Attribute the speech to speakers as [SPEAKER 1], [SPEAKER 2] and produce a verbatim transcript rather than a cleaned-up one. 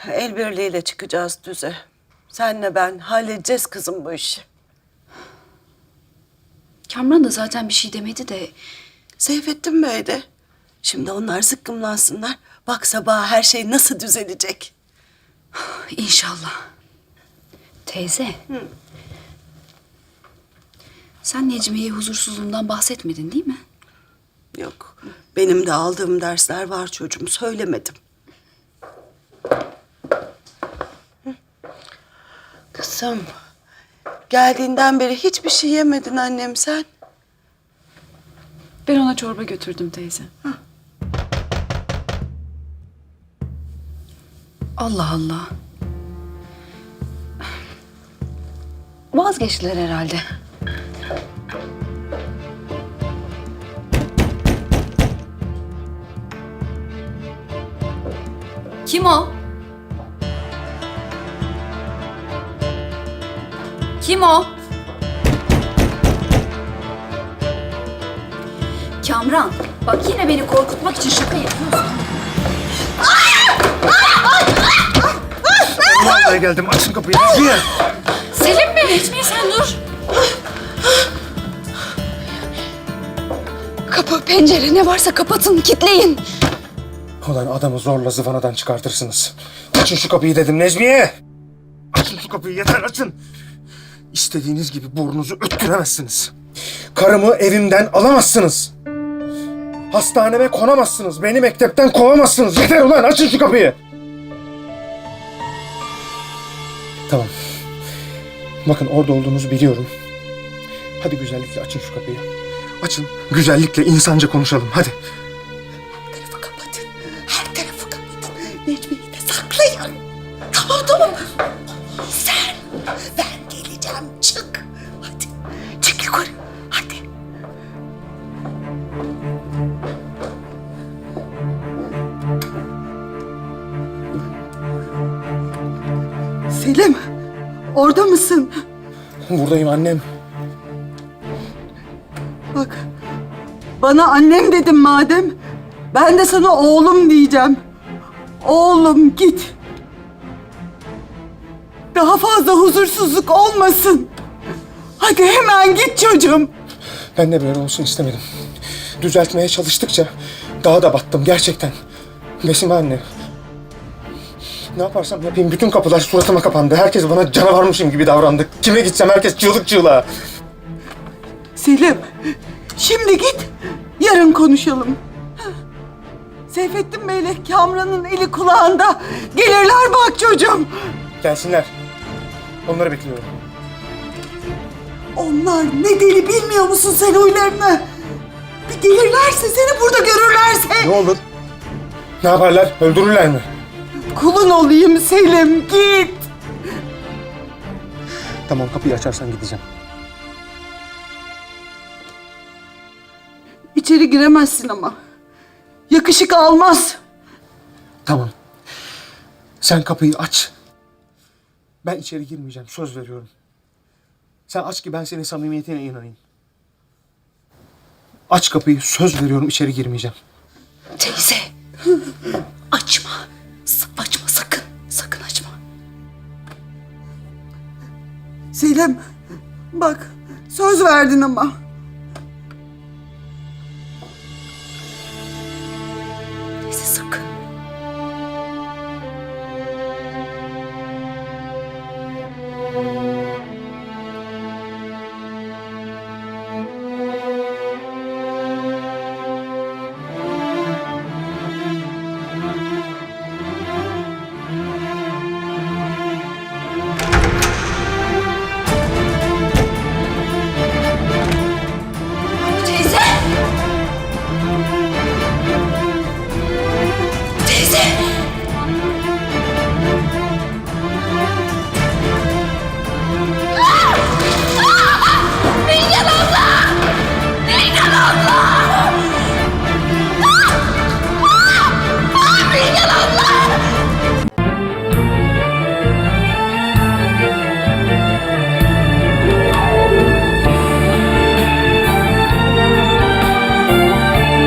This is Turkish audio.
[SPEAKER 1] El birliğiyle çıkacağız düze. Senle ben halledeceğiz kızım bu işi.
[SPEAKER 2] Kamran da zaten bir şey demedi de.
[SPEAKER 1] Seyfettin Bey de. Şimdi onlar zıkkımlansınlar. Bak sabah her şey nasıl düzelecek.
[SPEAKER 2] İnşallah. Teyze. Hı. Sen Necmiye'ye huzursuzluğundan bahsetmedin değil mi?
[SPEAKER 1] Yok. Benim de aldığım dersler var çocuğum. Söylemedim. Kızım. Geldiğinden beri hiçbir şey yemedin annem sen.
[SPEAKER 2] Ben ona çorba götürdüm teyze. Hı. Allah Allah. Vazgeçtiler herhalde. Kim o? Kim o? Kamran, bak yine beni korkutmak için şaka yapıyorsun.
[SPEAKER 3] Vallahi geldim. Açın kapıyı. Niye?
[SPEAKER 2] Selim mi? Necmiye sen dur. Kapı, pencere ne varsa kapatın, kilitleyin.
[SPEAKER 3] Ulan adamı zorla zıvanadan çıkartırsınız. Açın şu kapıyı dedim Necmiye. Açın şu kapıyı yeter açın. İstediğiniz gibi burnunuzu öttüremezsiniz. Karımı evimden alamazsınız. Hastaneme konamazsınız. Beni mektepten kovamazsınız. Yeter ulan açın şu kapıyı. Tamam. Bakın orada olduğunuzu biliyorum. Hadi güzellikle açın şu kapıyı. Açın. Güzellikle insanca konuşalım. Hadi.
[SPEAKER 1] Her tarafı kapatın. Her tarafı kapatın. Necmiye'yi de saklayın. Tamam tamam. Sen. Ben geleceğim. Çık. Hadi. Çık yukarı. Hadi. Selim. Orada mısın?
[SPEAKER 3] Buradayım annem.
[SPEAKER 1] Bak. Bana annem dedim madem. Ben de sana oğlum diyeceğim. Oğlum git. Daha fazla huzursuzluk olmasın. Hadi hemen git çocuğum.
[SPEAKER 3] Ben de böyle olsun istemedim. Düzeltmeye çalıştıkça daha da battım gerçekten. Besime anne. Ne yaparsam yapayım bütün kapılar suratıma kapandı. Herkes bana canavarmışım gibi davrandı. Kime gitsem herkes çığlık çığlığa.
[SPEAKER 1] Selim, şimdi git. Yarın konuşalım. Seyfettin Bey'le Kamran'ın eli kulağında. Gelirler bak çocuğum.
[SPEAKER 3] Gelsinler. Onları bekliyorum.
[SPEAKER 1] Onlar ne deli bilmiyor musun sen huylarını? Bir gelirlerse seni burada görürlerse.
[SPEAKER 3] Ne olur? Ne yaparlar? Öldürürler mi?
[SPEAKER 1] Kulun olayım Selim, git.
[SPEAKER 3] Tamam kapıyı açarsan gideceğim.
[SPEAKER 1] İçeri giremezsin ama. Yakışık almaz.
[SPEAKER 3] Tamam. Sen kapıyı aç. Ben içeri girmeyeceğim. Söz veriyorum. Sen aç ki ben senin samimiyetine inanayım. Aç kapıyı. Söz veriyorum içeri girmeyeceğim.
[SPEAKER 2] Teyze. Açma. Açma sakın. Sakın açma.
[SPEAKER 1] Selim, bak söz verdin ama.
[SPEAKER 2] Teyze sakın.